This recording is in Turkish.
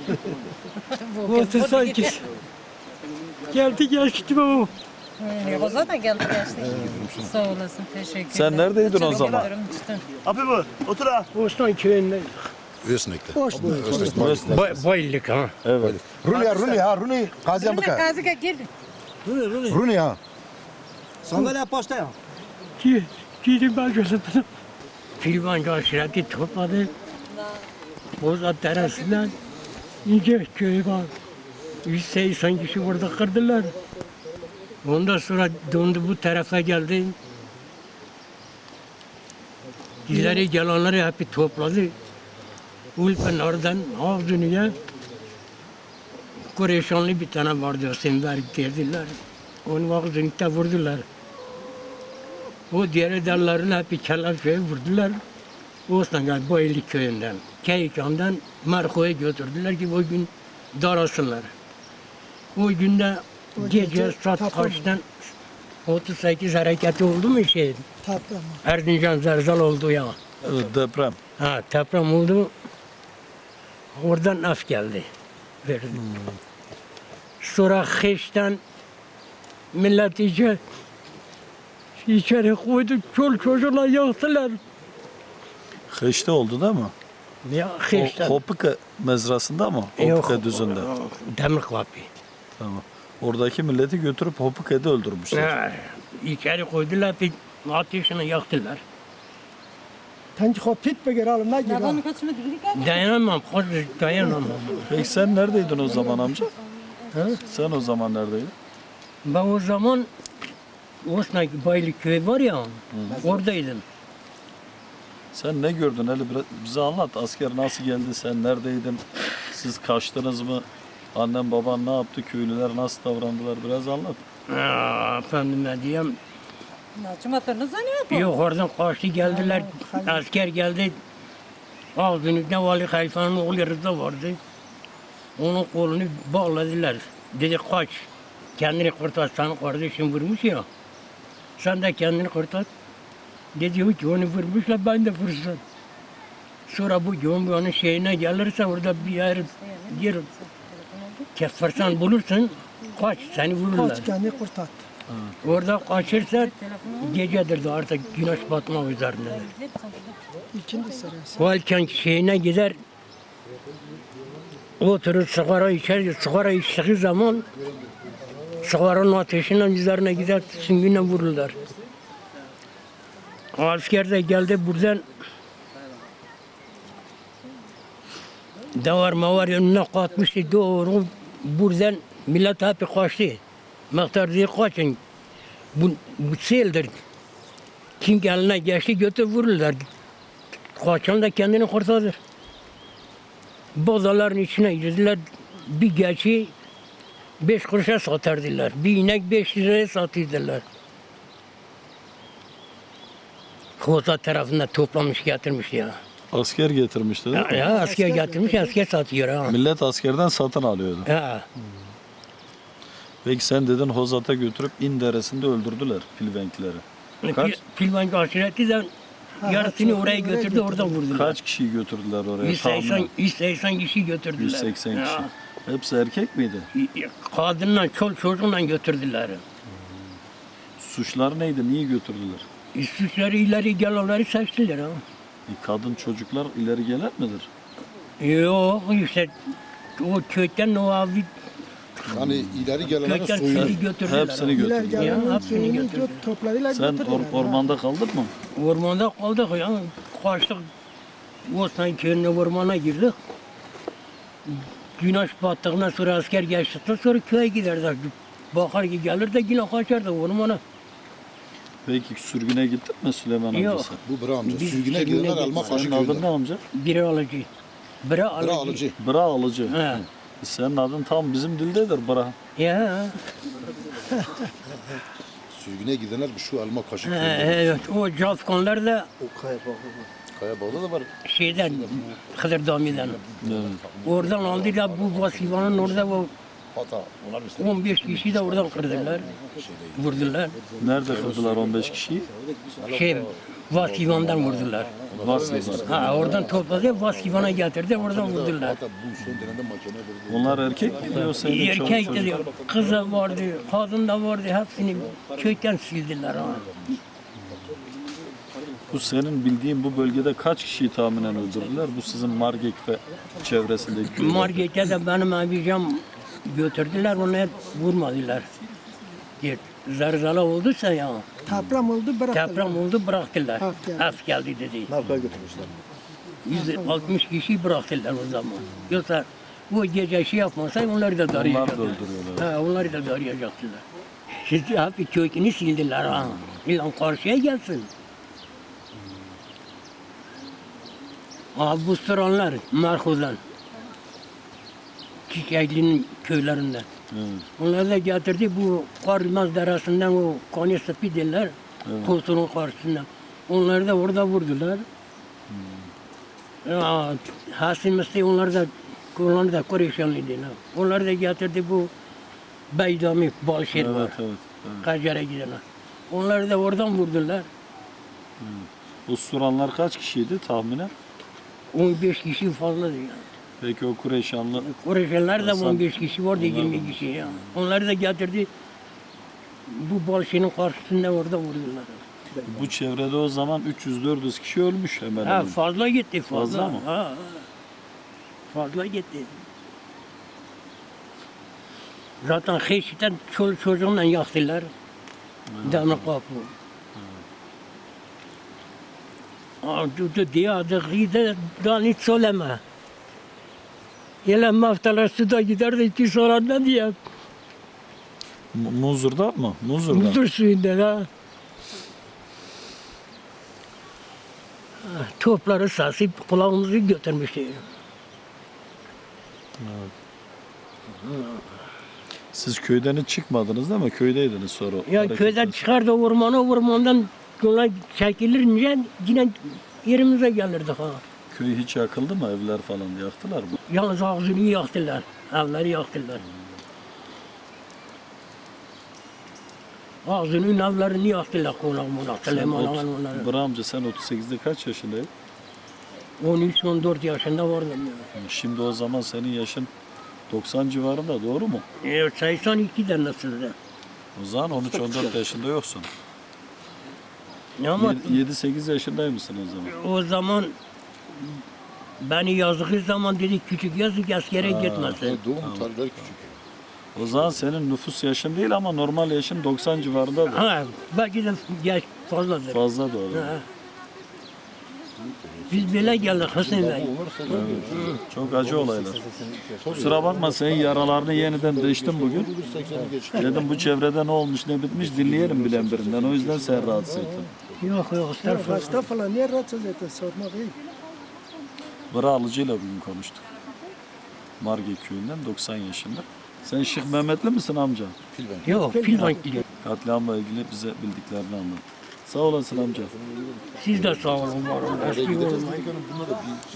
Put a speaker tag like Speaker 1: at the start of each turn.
Speaker 1: Bu sanki geldi geçti bu.
Speaker 2: O zaten geldi geçti. Sağ olasın, teşekkür ederim.
Speaker 3: Sen neredeydin o
Speaker 2: Çok
Speaker 3: zaman?
Speaker 2: ederim, çıktım.
Speaker 4: Abi bu, otur ha.
Speaker 1: Bostan köyünde.
Speaker 5: Ösnek'te.
Speaker 1: Bayıldık ha.
Speaker 3: Evet.
Speaker 5: Runi ha Runi. Gaziyan
Speaker 2: Rune
Speaker 5: Baka.
Speaker 2: Kazık'a gel.
Speaker 5: Runi ha.
Speaker 4: Sandalye başta ya.
Speaker 1: Gidin ben gözümden. Filman aşireti topladı. Bozat terasından ince köy var. 180 kişi burada kırdılar. Ondan sonra döndü bu tarafa geldi. İleri gelenleri hep topladı. Ulpen oradan Avduni'ye Kureyşanlı bir tane vardı, Semver derdiler. Onu ağzını vurdular. O diğer dallarını hep Kelepçe'ye vurdular. Osman Baylı köyünden, Keykan'dan Marko'ya götürdüler ki o gün darasınlar. O günde gece saat kaçtan 38 hareketi oldu mu şey? Erzincan Zerzal oldu ya.
Speaker 3: Evet, deprem.
Speaker 1: Ha, deprem oldu. Oradan af geldi. Verdi. Sonra Heş'ten millet içeri koydu, çol çocuklar yaktılar.
Speaker 3: Heşte oldu değil mi?
Speaker 1: Ya Heş'ten.
Speaker 3: Hopika mezrasında mı?
Speaker 1: Yok,
Speaker 3: Hopika düzünde.
Speaker 1: Demir kapı.
Speaker 3: Tamam. Oradaki milleti götürüp Hopika'da öldürmüşler.
Speaker 1: Ha, içeri koydular, bir ateşini yaktılar.
Speaker 6: Tanki hopit begerelim ne gibi?
Speaker 2: Yabanı kaçmadı, bir
Speaker 1: Dayanamam, dayanamam.
Speaker 3: Peki sen neredeydin o zaman amca? Sen o zaman neredeydin?
Speaker 1: Ben o zaman Osman Baylı köy var ya, oradaydım.
Speaker 3: Sen ne gördün? Hele bize anlat. Asker nasıl geldi? Sen neredeydin? Siz kaçtınız mı? Annem baban ne yaptı? Köylüler nasıl davrandılar? Biraz anlat.
Speaker 1: Efendim ne diyeyim?
Speaker 2: Naçımatlarını zanıyor.
Speaker 1: Yok oradan kaçtı geldiler, asker geldi. Ağzınızda Vali Halifa'nın oğlu Rıza vardı. Onun kolunu bağladılar. Dedi kaç, kendini kurtar, sana kardeşim vurmuş ya. Sen de kendini kurtar. Dedi ki onu vurmuşlar, ben de vursam. Sonra bu Cumhurbaşkanı'nın şeyine gelirse orada bir yer kefersen bulursun, kaç, seni vururlar.
Speaker 6: Kaç kendini kurtar.
Speaker 1: Orada kaçırsa gecedir de artık güneş batmak üzerinde.
Speaker 6: İkinci sırası.
Speaker 1: Valken şeyine gider, oturur sigara içer, sigara içtiği zaman sigaranın ateşinden üzerine gider, süngüne vururlar. Asker de geldi buradan davar mavar önüne katmıştı doğru, buradan millet hep kaçtı. Mehter diye kaçın, bu seldir. Kim eline geçti götür vururlar. Kaçan da kendini kurtarır. Bozaların içine girdiler, bir geçi 5 kuruşa satardılar. Bir inek 5 liraya satırdılar. Koza tarafında toplamış getirmiş ya.
Speaker 3: Asker getirmişti değil mi?
Speaker 1: Ya asker getirmiş, asker satıyor ha.
Speaker 3: Millet askerden satın alıyordu.
Speaker 1: Ha.
Speaker 3: Peki sen dedin Hozat'a götürüp İn Deresi'nde öldürdüler Pilvenkleri. Kaç?
Speaker 1: Pilvan aşiretinden yarısını oraya götürdü, oradan vurdular.
Speaker 3: Kaç kişiyi götürdüler oraya?
Speaker 1: 180 kişi götürdüler.
Speaker 3: 180 kişi.
Speaker 1: Ya.
Speaker 3: Hepsi erkek miydi?
Speaker 1: Kadınla, çocuğunla götürdüler.
Speaker 3: Suçlar neydi? Niye götürdüler?
Speaker 1: Suçları ileri gelenleri seçtiler ha.
Speaker 3: Kadın çocuklar ileri gelir midir?
Speaker 1: Yok işte o köyden o abi
Speaker 5: Hani ileri gelenleri
Speaker 1: köyden
Speaker 5: soyuyor.
Speaker 1: seni götürdüler.
Speaker 3: Hepsini
Speaker 6: İler
Speaker 3: götürdüler.
Speaker 1: Ya,
Speaker 6: gelen
Speaker 1: hepsini
Speaker 6: suyunu
Speaker 1: götürdüler.
Speaker 6: topladılar
Speaker 3: Sen
Speaker 6: götürdüler.
Speaker 3: ormanda kaldın mı?
Speaker 1: Ormanda kaldık ya. Kaçtık. Osman köyüne ormana girdik. Güneş battığından sonra asker geçtikten sonra köye giderdik. Bakar ki gelir de yine kaçardı ormana.
Speaker 3: Peki sürgüne gittin mi Süleyman
Speaker 1: Yok.
Speaker 3: amcası?
Speaker 5: Bu bra amca.
Speaker 1: Biz
Speaker 5: Sürgüne
Speaker 1: sürgüne
Speaker 5: gidenler
Speaker 1: gittik.
Speaker 5: alma kaşı
Speaker 3: Senin adın ne
Speaker 5: köyünden.
Speaker 3: amca?
Speaker 1: Biri alıcı. Biri alıcı.
Speaker 5: Bra alıcı.
Speaker 3: Bra alıcı.
Speaker 1: He.
Speaker 3: Senin adın tam bizim dildedir Bra.
Speaker 1: Ya.
Speaker 5: Sürgüne gidenler şu alma kaşı
Speaker 1: He,
Speaker 5: köyünden.
Speaker 1: evet. O Cafkonlar da
Speaker 5: Kaya bağda da var.
Speaker 1: şeyden, Hıdır Dami'den.
Speaker 3: Evet.
Speaker 1: Oradan aldılar bu vasifanın orada o
Speaker 5: Hata. Onlar işte
Speaker 1: 15 kişi de oradan kırdılar. Vurdular.
Speaker 3: Nerede kırdılar 15 kişiyi?
Speaker 1: Vasivan'dan vurdular.
Speaker 3: Vasıflar.
Speaker 1: Ha oradan topladı, Vasivan'a getirdi, oradan vurdular.
Speaker 5: Hatta bu son dönemde mahkeme verdi.
Speaker 3: Onlar erkek miydi yoksa yine çoluk
Speaker 1: Erkek
Speaker 3: çocuk?
Speaker 1: dedi, kız da vardı, kadın da vardı, hepsini köyden sildiler. Ha.
Speaker 3: Bu senin bildiğin bu bölgede kaç kişiyi tahminen öldürdüler? Bu sizin Margek ve çevresindeki köyler.
Speaker 1: Markete de benim abicam götürdüler, onu hep vurmadılar. Zarzala olduysa ya,
Speaker 6: Deprem oldu bıraktılar.
Speaker 1: deprem oldu bıraktılar.
Speaker 6: Af geldi.
Speaker 1: Af geldi dedi.
Speaker 4: Narkoya götürmüşler.
Speaker 1: 160 kişi bıraktılar o zaman. Yoksa bu gece şey yapmasa onları da
Speaker 3: Onlar da
Speaker 1: darayacaktılar.
Speaker 3: öldürüyorlar.
Speaker 1: Ha, onları da darayacaktılar. Şimdi hep kökünü sildiler ha. İlan karşıya gelsin. Bu sıranlar Marhuz'dan. Çiçekli'nin köylerinden.
Speaker 3: Evet.
Speaker 1: Onlar da getirdi bu Karmaz Deresi'nden o Koni Sıpi derler. Kosunun karşısından. Onları da orada vurdular. Ya, Hasim Mesih onlar da Kureyşanlıydılar. Onları da getirdi bu Beydami Balşehir var.
Speaker 3: Evet, evet.
Speaker 1: Kacar'a gidenler. Onları da oradan vurdular.
Speaker 3: Bu suranlar kaç kişiydi tahminen?
Speaker 1: 15 kişi fazladı yani.
Speaker 3: Peki o Kureyşanlı
Speaker 1: Kureyşanlar da
Speaker 3: Hasan-
Speaker 1: 15 kişi vardı,
Speaker 3: Onlar da
Speaker 1: 20 kişi ya. Onları da getirdi. Bu Balşehir'in karşısında orada vurdular.
Speaker 3: bu çevrede o zaman 300-400 kişi ölmüş hemen
Speaker 1: Ha,
Speaker 3: hemen.
Speaker 1: fazla gitti fazla.
Speaker 3: Fazla mı?
Speaker 1: Ha, fazla gitti. Zaten Heşit'ten çoluk çocuğunla yaktılar. Demir kapı. Dur diye adı gide daha hiç söyleme. Yine maftalar suda giderdi ki sonra ne diye.
Speaker 3: Muzur'da mı? Muzur'da.
Speaker 1: Muzur suyunda da. Topları sasıp kulağımızı götürmüştü.
Speaker 3: Siz köyden hiç çıkmadınız değil mi? Köydeydiniz sonra.
Speaker 1: Ya
Speaker 3: hareket
Speaker 1: köyden
Speaker 3: ettiniz.
Speaker 1: çıkardı ormandan yola çekilince yine yerimize gelirdik ha.
Speaker 3: Köy hiç yakıldı mı? Evler falan yaktılar mı?
Speaker 1: Yalnız ağzını yaktılar, evleri yaktılar. Ağzının evlerini yaktılar konak monak, Süleyman Ağa'nın onları.
Speaker 3: Bırak amca sen 38'de kaç yaşındaydın?
Speaker 1: 13-14 yaşında vardım ya.
Speaker 3: Şimdi o zaman senin yaşın 90 civarında doğru mu?
Speaker 1: 82'de nasıldı?
Speaker 3: O zaman 13-14 yaşında yoksun.
Speaker 1: Ama
Speaker 3: 7-8 yaşındaymışsın o zaman.
Speaker 1: o zaman beni yazdığı zaman dedi küçük yazık askere gitmesin.
Speaker 5: Doğum tarihleri küçük.
Speaker 3: O zaman senin nüfus yaşın değil ama normal yaşın 90 civarındadır.
Speaker 1: Ha, belki de yaş fazladır.
Speaker 3: Fazla da olur.
Speaker 1: Ha. Biz böyle geldik Hüseyin Bey.
Speaker 3: Çok acı olaylar. Kusura bakma senin yaralarını yeniden değiştim bugün.
Speaker 5: 80'i geç.
Speaker 3: Dedim bu çevrede ne olmuş ne bitmiş dinleyelim bilen birinden. O yüzden sen rahatsız ettin.
Speaker 1: Yok estağfurullah.
Speaker 6: Hasta falan niye rahatsız ettin sormak iyi.
Speaker 3: Bıra alıcıyla bugün konuştuk. Marge köyünden 90 yaşında. Sen Şeyh Mehmetli misin amca?
Speaker 1: Yok Pilvan gidiyor.
Speaker 3: Katliamla ilgili bize bildiklerini anlat. Sağ olasın amca.
Speaker 1: Siz de sağ olun var olun. Eski olun.
Speaker 5: Bunlar da bir